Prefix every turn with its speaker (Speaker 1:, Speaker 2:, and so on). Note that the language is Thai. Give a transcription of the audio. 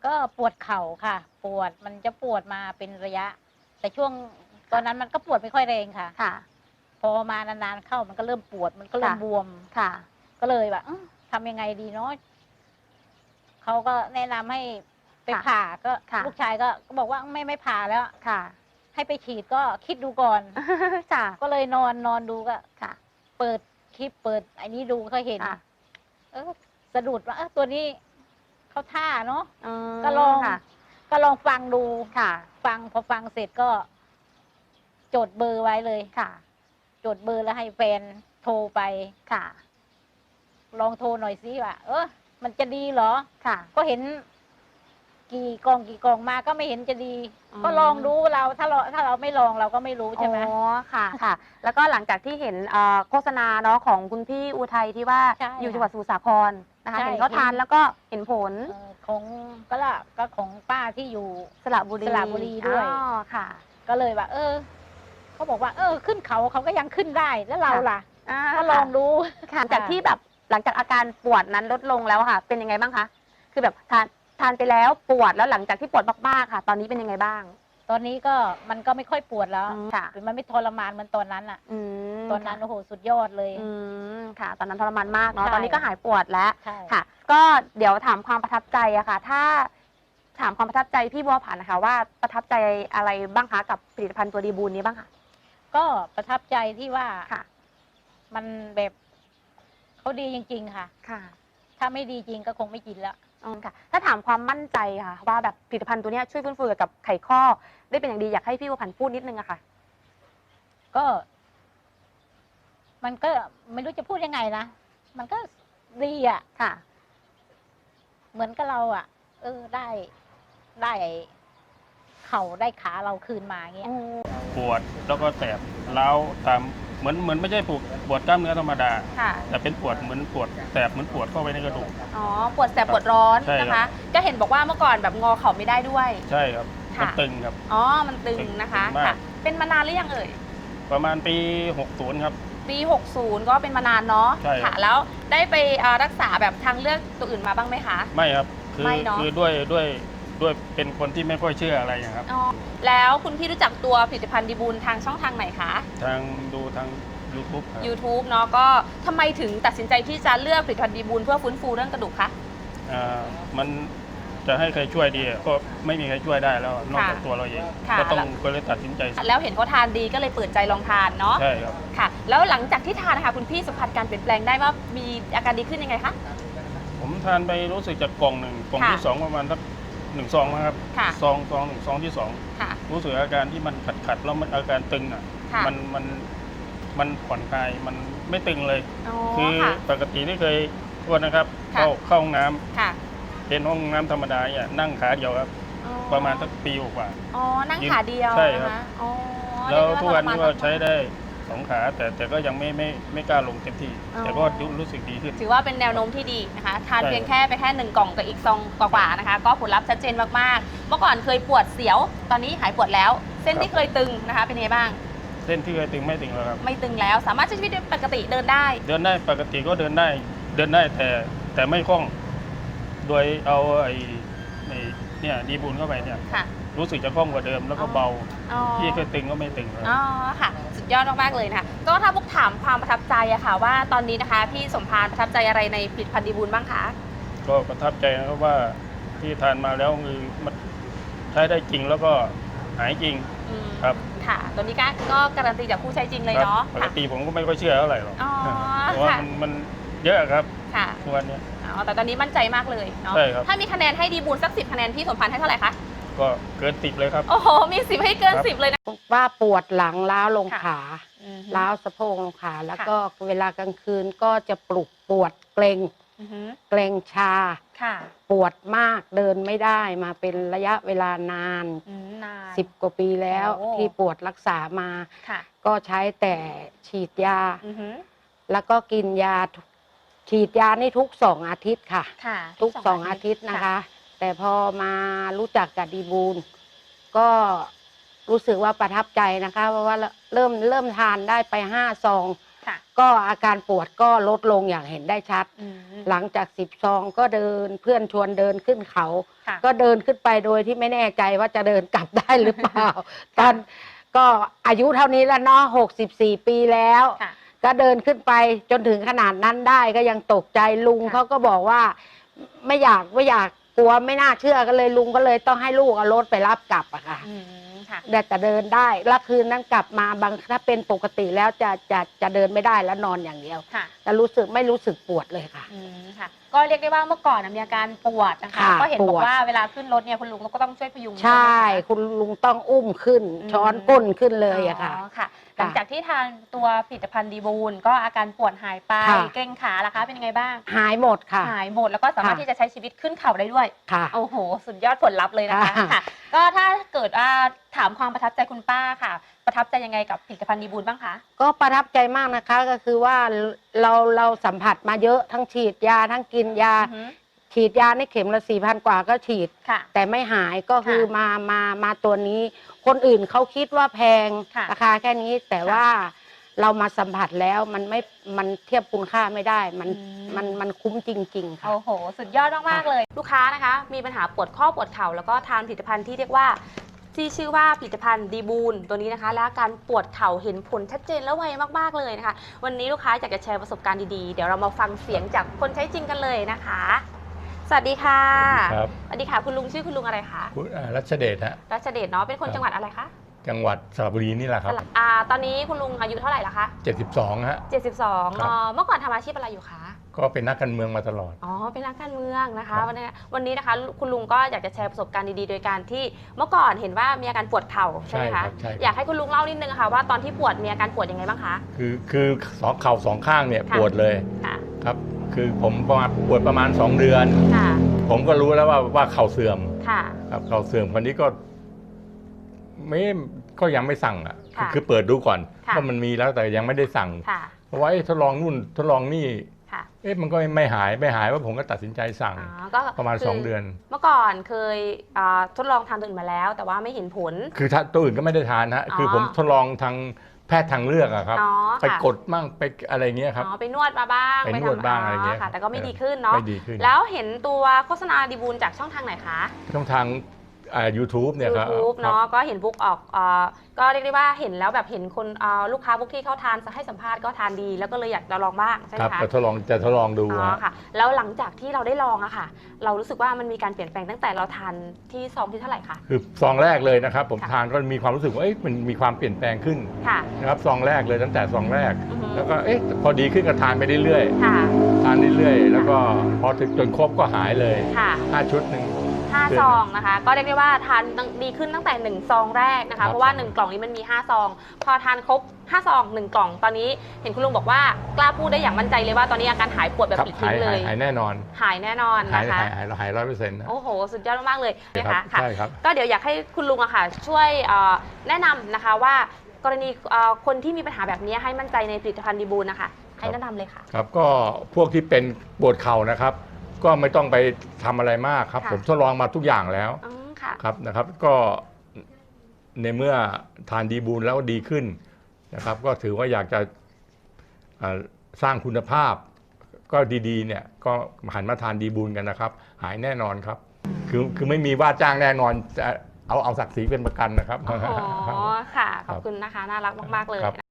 Speaker 1: ก็ปวดเข่าค่ะ ปวดมันจะปวดมาเป็นระยะ แต่ช่วงตอนนั้นมันก็ปวดไม่ค่อยแรงค่ะ
Speaker 2: ค่ะ
Speaker 1: พอมานานๆเข้ามันก็เริ่มปวดมันก็เริ่มบวม
Speaker 2: ค่ะ
Speaker 1: ก็เลยแบบทำยังไงดีเนาะเขาก็แนะนำให้ไปผ่าก็ลูกชายก็บอกว่าไม่ผ่าแล้ว
Speaker 2: ค่ะ
Speaker 1: ให้ไปฉีดก็คิดดูก่อนก็เลยนอนดูก็เปิดคลิปเปิดไอ้นี้ดูเขาเห็นสะดุดว่าตัวนี้เขาท่าเนาะก็ลองฟังดูฟังพอฟังเสร็จก็จดเบอร์ไว้เลยจดเบอร์แล้วให้แฟนโทรไปลองโทรหน่อยสิว่ามันจะดีเหรอก็เห็นกี่กองมาก็ไม่เห็นจะดีก็ลองดูเราถ้าเราไม่ลองเราก็ไม่รู้ใช่ไหม
Speaker 2: อ๋อค่ะแล้วก็หลังจากที่เห็นโฆษณาเนาะของคุณพี่อุทัยที่ว่าอยู่จังหวัดสมุทรสาครนะคะเห็นเขาทานแล้วก็เห็นผล
Speaker 1: ของก็ของป้าที่อยู่สระบุรีด้วย
Speaker 2: ค่ะ
Speaker 1: ก็เลยว่าเขาบอกว่าขึ้นเขาก็ยังขึ้นได้แล้วเราล่ะก็ลองดู
Speaker 2: หลังจากที่แบบหลังจากอาการปวดนั้นลดลงแล้วค่ะเป็นยังไงบ้างคะคือแบบทานไปแล้วปวดแล้วหลังจากที่ปวดมากๆค่ะตอนนี้เป็นยังไงบ้าง
Speaker 1: ตอนนี้ก็มันก็ไม่ค่อยปวดแล้วมันไม่ทรมานเหมือนตอนนั้นอ่ะตอนนั้นโอ้โหสุดยอดเลย
Speaker 2: ค่ะตอนนั้นทรมานมากเนาะตอนนี้ก็หายปวดแล้วค่ะก็เดี๋ยวถามความประทับใจอะค่ะถ้าถามความประทับใจพี่บัวผันนะคะว่าประทับใจอะไรบ้างคะกับผลิตภัณฑ์ตัวดีบูนนี้บ้างคะ
Speaker 1: ก็ประทับใจที่ว่ามันแบบเขาดีจริงๆค่ะถ้าไม่ดีจริงก็คงไม่กินแล้ว
Speaker 2: ค่ะถ้าถามความมั่นใจค่ะว่าแบบผลิตภัณฑ์ตัวนี้ช่วยฟื้นฟูกับไขข้อได้เป็นอย่างดีอยากให้พี่บัวผันพูดนิดนึงอะค่ะ
Speaker 1: ก็มันก็ไม่รู้จะพูดยังไงนะมันก็ดีอะ
Speaker 2: ค่ะ
Speaker 1: เหมือนกับเราอะได้เข่าได้ขาเราคืนมาเงี้ย
Speaker 3: ปวดแล้วก็แสบเล้าตามเหมือนไม่ใช่ปวดกล้ามเนื้อธรรมดาแต่เป็นปวดเหมือนปวดแสบเหมือนปวดเข้าไปในกระดูก
Speaker 2: อ๋อปวดแสบปวดร้อนนะคะก็เห็นบอกว่าเมื่อก่อนแบบงอเข่าไม่ได้ด้วย
Speaker 3: ใช่ครับมันตึงครับ
Speaker 2: อ๋อมันตึงนะคะค่ะเป็นมานานหรือยังเอ่ย
Speaker 3: ประมาณปี60ครับ
Speaker 2: ปี60ก็เป็นมานานเนาะค่ะแล้วได้ไปรักษาแบบทางเลือกตัวอื่นมาบ้างไหมคะ
Speaker 3: ไม่ครับคือด้วยเป็นคนที่ไม่ค่อยเชื่ออะไรนะครับ
Speaker 2: แล้วคุณพี่รู้จักตัวผลิตภัณฑ์ดีบูลทางช่องทางไหนคะ
Speaker 3: ดูทาง
Speaker 2: YouTube เนาะก็ทำไมถึงตัดสินใจที่จะเลือกผลิตภัณฑ์ดีบูลเพื่อฟื้นฟูเรื่องกระดูกคะ
Speaker 3: มันจะให้ใครช่วยดีก็ไม่มีใครช่วยได้แล้วนอกจากตัวเราเองก็เลยตัดสินใจ
Speaker 2: แล้วเห็นเขาทานดีก็เลยเปิดใจลองทานเนาะ
Speaker 3: ใช่ครับ
Speaker 2: ค่ะแล้วหลังจากที่ทานนะคะคุณพี่สัมผัสการเปลี่ยนแปลงได้ว่ามีอาการดีขึ้นยังไงคะ
Speaker 3: ผมทานไปรู้สึกจากกล่องที่2ประมาณสัก1 ซองนะครับซองที่2รู้สึกอาการที่มันขัดแล้วมันอาการตึงอ่ะมันผ่อนคลายมันไม่ตึงเลยคือปกติที่เคยทวนนะครับเข้าห้องน้ำเป็นห้องน้ำธรรมดาเนี่ยนั่งขาเดียวครับประมาณสักปีกว่า
Speaker 2: นั่งขาเดียว
Speaker 3: ใช่ครับแล้วทุกวันนี้ก็ใช้ได้2 ขาแต่ก็ยังไม่กล้าลงเต็มที่แต่ก็รู้สึกดีขึ้น
Speaker 2: ถือว่าเป็นแนวโน้มที่ดีนะคะทานเพียงแค่1 กล่องกับอีกซองกว่าๆนะคะก็ผลลัพธ์ชัดเจนมากๆเมื่อก่อนเคยปวดเสียวตอนนี้หายปวดแล้วเส้นที่เคยตึงนะคะเป็นไงบ้าง
Speaker 3: เส้นที่เคยตึงไม่ตึงแล้วครับ
Speaker 2: ไม่ตึงแล้วสามารถใช้ชีวิตปกติเดินได้
Speaker 3: ปกติก็เดินได้แต่ไม่คล่องโดยเอาเนี่ยดีบูลเข้าไปเนี่ยรู้สึกจะคล่องกว่าเดิมแล้วก็เบาที่เคยตึงก็ไม่ตึงแล้ว
Speaker 2: ค่ะสุดยอดมากๆเลยนะคะก็ถ้าพวกถามความประทับใจอะค่ะว่าตอนนี้นะคะพี่สมภารประทับใจอะไรในผลิตภัณฑ์ดีบูลบ้างคะ
Speaker 3: ก็ประทับใจนะครับว่าที่ทานมาแล้วคือมันใช้ได้จริงแล้วก็หายจริงครับ
Speaker 2: ค่ะตัวนี้ก็การันตีจากผู้ใช้จริงเลยเนาะ
Speaker 3: ปกติผมก็ไม่ค่อยเชื่อเท่าไหร่หรอกเพราะว่ามันเยอะครับทุกวันนี้
Speaker 2: แต่ตอนนี้มั่นใจมากเลยเนาะถ้ามีคะแนนให้ดีบูลสัก10 คะแนนพี่สมภารให้เท่าไหร่คะ
Speaker 3: ก็เกิน10เลยครับ
Speaker 2: โอ้โหมี10ให้เกิน10เลยนะ
Speaker 4: ว่าปวดหลังล้าวลงขาล้าวสะโพกลงขาแล้วก็เวลากลางคืนก็จะปวดเกร็งชาปวดมากเดินไม่ได้มาเป็นระยะเวลานาน10 กว่าปีแล้วที่ปวดรักษามาก็ใช้แต่ฉีดยาแล้วก็กินยาฉีดยานี่ทุก2 อาทิตย์ค่ะทุก2 อาทิตย์นะคะแต่พอมารู้จักกับดีบูลก็รู้สึกว่าประทับใจนะคะเพราะว่าเริ่มทานได้ไป5 ซองก็อาการปวดก็ลดลงอย่างเห็นได้ชัด หลังจาก10 ซองก็เดินเพื่อนชวนเดินขึ้นเขา ก็เดินขึ้นไปโดยที่ไม่แน่ใจว่าจะเดินกลับได้หรือเปล่า ตอนก็อายุเท่านี้แล้วเนาะ64 ปีแล้ว ก็เดินขึ้นไปจนถึงขนาดนั้นได้ก็ยังตกใจลุงเขาก็บอกว่าไม่อยากกลัวไม่น่าเชื่อก็เลยลุงก็เลยต้องให้ลูกเอารถไปรับกลับอะค่ะแต่เดินได้แล้วคืนนั้นกลับมาบางถ้าเป็นปกติแล้วจะเดินไม่ได้แล้วนอนอย่างเดียวแต่ไม่รู้สึกปวดเลยค่ะ
Speaker 2: ก็เรียกได้ว่าเมื่อก่อนมีอาการปวดนะคะก็เห็นบอกว่าเวลาขึ้นรถเนี่ยคุณลุงก็ต้องช่วยพยุง
Speaker 4: ใช่คุณลุงต้องอุ้มขึ้นช้อนก้นขึ้นเลยอะค่ะ
Speaker 2: หลังจากที่ทานตัวผลิตภัณฑ์ดีบูลก็อาการปวดหายไปเกร็งขาล่ะคะเป็นยังไงบ้าง
Speaker 4: หายหมดค่ะ
Speaker 2: หายหมดแล้วก็สามารถที่จะใช้ชีวิตขึ้นเขาได้ด้วย
Speaker 4: ค่ะ
Speaker 2: โอ้โหสุดยอดผลลัพธ์เลยนะคะก็ถ้าเกิดถามความประทับใจคุณป้าค่ะประทับใจยังไงกับผลิตภัณฑ์ดีบูลบ้างคะ
Speaker 4: ก็ประทับใจมากนะคะก็คือว่าเราสัมผัสมาเยอะทั้งฉีดยาทั้งกินยาฉีดยาในเข็มละ4,000 กว่าก็ฉีดแต่ไม่หายก็คือมาตัวนี้คนอื่นเขาคิดว่าแพงราคาแค่นี้แต่ว่าเรามาสัมผัสแล้วมันเทียบคุณค่าไม่ได้มันคุ้มจริงๆค่ะ
Speaker 2: โอ้โหสุดยอดมากๆเลยลูกค้านะคะมีปัญหาปวดข้อปวดเข่าแล้วก็ทานผลิตภัณฑ์ที่เรียกว่าที่ชื่อว่าผลิตภัณฑ์ดีบูลตัวนี้นะคะและการปวดเข่าเห็นผลชัดเจนและไวมากๆเลยนะคะวันนี้ลูกค้าอยากจะแชร์ประสบการณ์ดีๆเดี๋ยวเรามาฟังเสียงจากคนใช้จริงกันเลยนะคะสวัสดีค่ะสวัสดีค่ะคุณลุงชื่อคุณลุงอะไรคะ
Speaker 5: คุณรัชเดชฮะ
Speaker 2: รัชเดชเนาะเป็นคนจังหวัดอะไรคะ
Speaker 5: จังหวัดสระบุรีนี่แหละครับ
Speaker 2: ตอนนี้คุณลุงอายุเท่าไหร่ละคะ
Speaker 5: 72ฮะ
Speaker 2: 72เมื่อก่อนทำอาชีพอะไรอยู่คะ
Speaker 5: ก็เป็นนักการเมืองมาตลอด
Speaker 2: เป็นนักการเมืองนะคะวันนี้นะคะคุณลุงก็อยากจะแชร์ประสบการณ์ดีๆโดยการที่เมื่อก่อนเห็นว่ามีอาการปวดเข่าใช่ไหมคะอยากให้คุณลุงเล่านิดนึงค่ะว่าตอนที่ปวดมีอาการปวดยังไงบ้างคะ
Speaker 5: คือเข่าสองข้างเนี่ยปวดเลยครับคือผมปวดประมาณ2 เดือนผมก็รู้แล้วว่าเข่าเสื่อมครับเข่าเสื่อมคนนี้ก็ยังไม่สั่งอ่ะคือเปิดดูก่อนว่ามันมีแล้วแต่ยังไม่ได้สั่งเพราะว่าทดลองนู่นทดลองนี่มันก็ไม่หายว่าผมก็ตัดสินใจสั่งประมาณ2 เดือน
Speaker 2: เมื่อก่อนเคยทดลองทานตัวอื่นมาแล้วแต่ว่าไม่เห็นผล
Speaker 5: คือตัวอื่นก็ไม่ได้ทานฮะคือผมทดลองทางแพทย์ทางเลือกอะครับไปกดมั่งไปอะไรเงี้ยครับ
Speaker 2: ไปนวดมาบ้าง
Speaker 5: ไปนวดบ้างอะไรเงี้ย
Speaker 2: แต่ก็ไม่ดีขึ้นเนาะแล้วเห็นตัวโฆษณาดีบูลจากช่องทางไหนคะ
Speaker 5: ช่องทางYouTube เนี่ยครับ
Speaker 2: YouTube เนาะก็เห็นบุ๊กออกก็เรียกได้ว่าเห็นแล้วแบบเห็นคนลูกค้าบุ๊กที่เขาทานให้สัมภาษณ์ก็ทานดีแล้วก็เลยอยากจะลองบ้างใช่ไหมคะ
Speaker 5: จะทดลองดู
Speaker 2: ค่ะแล้วหลังจากที่เราได้ลองอะค่ะเรารู้สึกว่ามันมีการเปลี่ยนแปลงตั้งแต่เราทานที่ซองที่เท่าไหร่คะ
Speaker 5: คือซองแรกเลยนะครับผมทานก็มีความรู้สึกว่ามันมีความเปลี่ยนแปลงขึ้นนะครับซองแรกเลยตั้งแต่ซองแรกแล้วก็พอดีขึ้นก็ทานไปเรื่อยๆทานเรื่อยๆแล้วก็พอถึงจนครบก็หายเลย5 ชุดนึง
Speaker 2: 5 ซองนะคะก็เรียกได้ว่าทานดีขึ้นตั้งแต่1 ซองแรกนะคะเพราะว่า1 กล่องนี้มันมี5 ซองพอทานครบ5 ซอง1 กล่องตอนนี้เห็นคุณลุงบอกว่ากล้าพูดได้อย่างมั่นใจเลยว่าตอนนี้อาการหายปวดแบบปลิดทิ้งเลย
Speaker 5: หายแน่นอน
Speaker 2: นะคะ
Speaker 5: หาย100%
Speaker 2: โอ้โหสุดยอดมากเลยนะคะก็เดี๋ยวอยากให้คุณลุงอะค่ะช่วยแนะนำนะคะว่ากรณีคนที่มีปัญหาแบบนี้ให้มั่นใจในผลิตภัณฑ์ดีบูลนะคะให้แนะนำเลยค่ะ
Speaker 5: ครับก็พวกที่เป็นปวดเข่านะครับก็ไม่ต้องไปทำอะไรมากครับผมทดลองมาทุกอย่างแล้วครับนะครับก็ในเมื่อทานดีบูลแล้วดีขึ้นนะครับก็ถือว่าอยากจะสร้างคุณภาพก็ดีๆเนี่ยก็หันมาทานดีบูลกันนะครับหายแน่นอนครับคือไม่มีว่าจ้างแน่นอนจะเอาศักดิ์ศรีเป็นประกันนะครับ
Speaker 2: อ๋อค่ะขอบคุณนะคะน่ารักมากๆเลย